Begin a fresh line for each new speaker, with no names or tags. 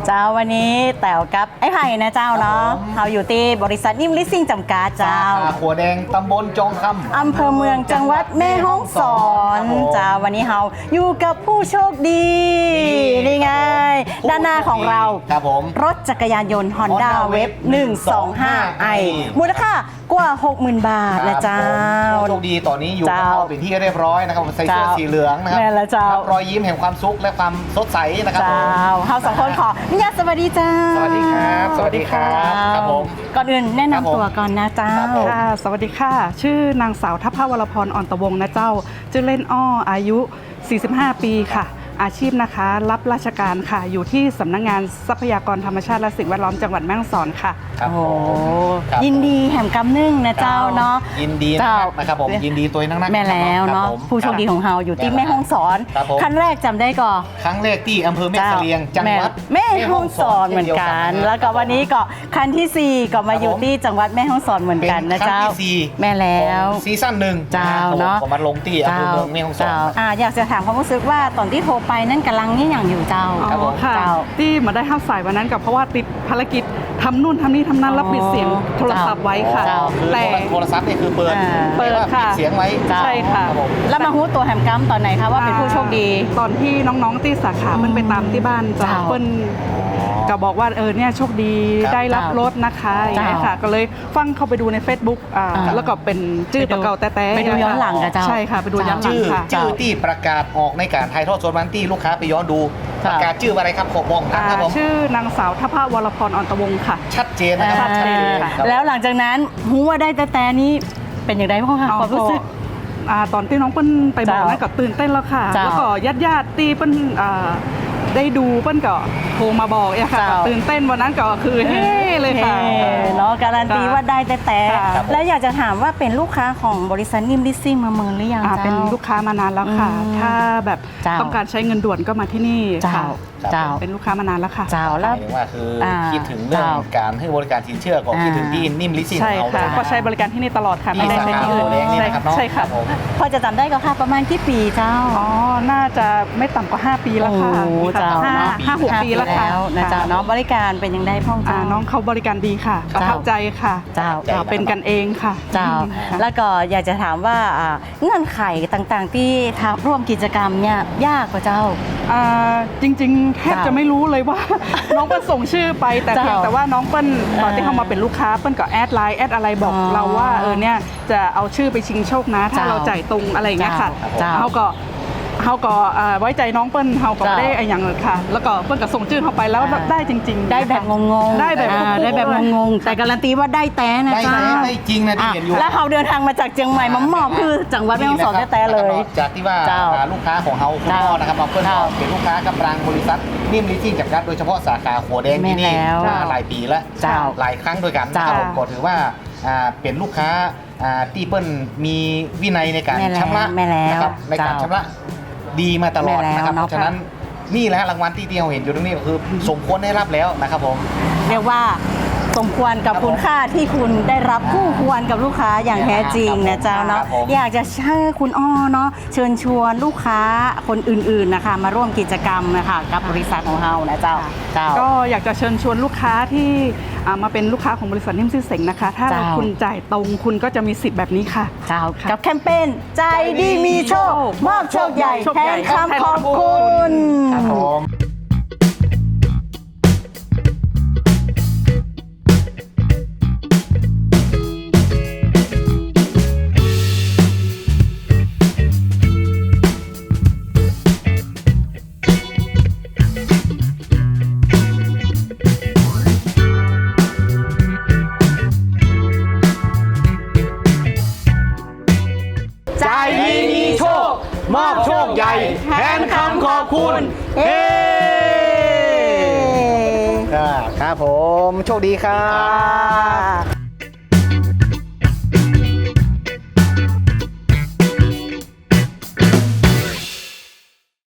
เจ้าวันนี้แต๋วกับไอ้ไผ่นะเจ้าเนาะเราอยู่ที่บริษัทนิ่มลิสซิ่งจำกัดเจ้า
ขัวแดงตำบลจองคำ
อำเภอเมืองจังหวัดแม่ฮ่องสอนเจ้าวันนี้เราอยู่กับผู้โชคดีนี่ไงด้านหน้าของเรา
ครับผม
รถจักรยานยนต์ Honda Wave 125i มูลค่ากว่า 60,000 บาทนะเจ้า
ผู้โชคดีตอนนี้อยู่กับเราเป็นที่เรียบร้อยนะครับใส่เสื้อสีเหลืองนะครับรอยยิ้มแห่งความสุขและความสดใสนะครับ
เราสองคนขอนิยาสวัสดีเจ้า
สวัสดีครับสวัสดีครับครับผม
ก่อนอื่นแนะนำตัวก่อนนะเจ้า
ค่ะสวัสดีค่ะชื่อนางสาวทัพพวรพรอ่อนตะวงนะเจ้าชื่อเล่นอ้ออายุ45 ปีค่ะอาชีพนะคะรับราชการค่ะอยู่ที่สำนักงานทรัพยากรธรรมชาติและสิ่งแวดล้อมจังหวัดแม่ฮ่องสอนค่ะ
โอ้
ยินดีแห่มกำนึ่งนะเจ้าเนาะ
ยินดีนะครับผมยินดีตัวนัก
แม่แล้วเนาะผู้โชคดีของเราอยู่ที่แม่ฮ่องสอนครั้งแรกจำได้ก่อ
ครั้งแรกที่อำเภอแม่เสลียงจังหวัด
แม่ฮ่องสอนเหมือนกันแล้วก็วันนี้ก็ครั้งที่4ก็มาอยู่ที่จังหวัดแม่ฮ่องสอนเหมือนกันนะเจ้าแม่แล้ว
ซีซั่น1
เจ้าเนาะ
ก็มาลงที่อำเภอเมืองแม่ฮ่องสอน
อยากจะถามความรู้สึกว่าตอนที่โทรไปนั่นกำลังนี่อย่างอยู่เจ้า
ค่ะที่มาได้ห้าสายวันนั้นกับเพราะว่าติดภารกิจทำนู่นทำนี่ทำนั้นแล้วปิดเสียงโทรศัพท์ไว้ค่ะ
แต่โทรศัพท์นี่คือเปิด
ค่ะ
เสียงไว้
ใช่ค่ะ
แล้วมาฮู้ตัวแหมกัมตอนไหนคะว่าเป็นผู้โชคดี
ตอนที่น้องๆที่สาขามันไปตามที่บ้านจ้าเปิ้ลก็บอกว่าเนี่ยโชคดีได้รับรถนะคะอย่างนี้ค่ะก็เลยฟังเข้าไปดูใน Facebook แล้วก็เป็นชื่อตัวเก่าแต่
ไปดูย้อนหลังกันเจ้า
ใช่ค่ะไปดูย้อนหลังค่ะ
ชื่อที่ประกาศออกในการถ่ายทอดสดวันที่ลูกค้าไปย้อนดูประกาศชื่ออะไรครับขอบอกนะครับผม
ชื่อนางสาวทัพพวรพรอ่อนตะวงค่ะ
ชัดเจนนะครับชัดเจน
แล้วหลังจากนั้นฮู้ว่าได้แต่นี้เป็นอย่างไรบ้างคะความรู้สึก
ตอนที่น้องเปิ้ลไปบอกนั่นก็ตื่นเต้นแล้วค่ะแล้วก็ญาติตีเปิ้ลได้ดูเปิ้ลก็โทรมาบอกค่ะตื่นเต้นวันนั้นก็คือเฮ้เลยค่ะ
เนาะการันตีว่าได้แต่แล้วอยากจะถามว่าเป็นลูกค้าของบริษัทนิ่มลิสซิ่งมาเมืองหรือยัง
เป็นลูกค้ามานานแล้วค่ะถ้าแบบต้องการใช้เงินด่วนก็มาที่นี่ค่ะเป็นลูกค้ามานานแล้วค่ะ
แล้วว่าคือคิดถึงเรื่องการให้บริการสินเชื่อก็คิดถึงที่นิ่มลิสซิ่ง
ใช่ค่ะก็ใช้บริการที่นี่ตลอดค่ะ
ไม่ได้ใช้ที่อื่น
ใช่ค่ะ
พอจะจำได้ก็ค่ะประมาณกี่ปีเจ้า
น่าจะไม่ต่ำกว่า5 ปีแล้วค่ะ5-6 ปีแล้วค่ะ
นะเจ้าเนาะบริการเป็นยังได้พ่องเจ้า
น้องเขาบริการดีค่ะประทับใจค่ะ
เจ้า
เป็นกันเองค่ะ
เจ้าแล้วก็อยากจะถามว่าเงื่อนไขต่างๆที่ร่วมกิจกรรมเนี่ยยากกว่าเจ้า
จริงๆแทบจะไม่รู้เลยว่าน้องเปิ้ลส่งชื่อไปแต่เพียงแต่ว่าน้องเปิ้ลตอนที่เขามาเป็นลูกค้าเปิ้ลก็แอดไลน์แอดอะไรบอกเราว่าเนี่ยจะเอาชื่อไปชิงโชคนะถ้าเราจ่ายตรงอะไรอย่างเงี้ยค่ะเขาก็ไว้ใจน้องเปิ้ลเขาก็ได้อย่างเลยค่ะแล้วก็เปิ้ลก็ส่งชื่อเขาไปแล้วได้จริงๆ
ได้แบบงง
ๆได้แบบ
งงๆแต่การันตีว่าได้แต่นะจ๊ะ
ได้จริงนะที่เห็นอยู่
แล้วเขาเดินทางมาจากเชียงใหม่มาหมอบคือจังหวัดแม่ฮ่องสอนแต่เลย
จากที่ว่าลูกค้าของเขาคุณพ่อนะครับเปิ้ลเป็นลูกค้ากับรังบริษัทนิ่มลิสซิ่งจำกัดโดยเฉพาะสาขาขัวแดงที่นี่หลายปีแล้วหลายครั้งด้วยกันนะครับก็ถือว่าเป็นลูกค้าที่เปิ้ลมีวินัยในการชำระนะครับในการชำระดีมาตลอดนะครับเพราะฉะนั้นนี่แหละรางวัลที่เราเห็นอยู่ตรงนี้ก็คือสมควรได้รับแล้วนะครับผม
เรียกว่าสมควรกับคุณค่าที่คุณได้รับคู่ควรกับลูกค้าอย่างแท้จริงนะเจ้าเนาะอยากจะเชิญคุณอ้อเนาะเชิญชวนลูกค้าคนอื่นๆนะคะมาร่วมกิจกรรมนะคะกับบริษัทของเรานะเจ้า
ก็อยากจะเชิญชวนลูกค้าที่มาเป็นลูกค้าของบริษัทนิ่มซิ่งเส็งนะคะถ้าคุณจ่ายตรงคุณก็จะมีสิทธิ์แบบนี้ค่ะ
กับแคมเปญใจดีมีโชคมอบโชคใหญ่แทนคำขอบคุณ
มอบโชคใหญ่แทนคำขอบคุณครับผมโชคดีครับ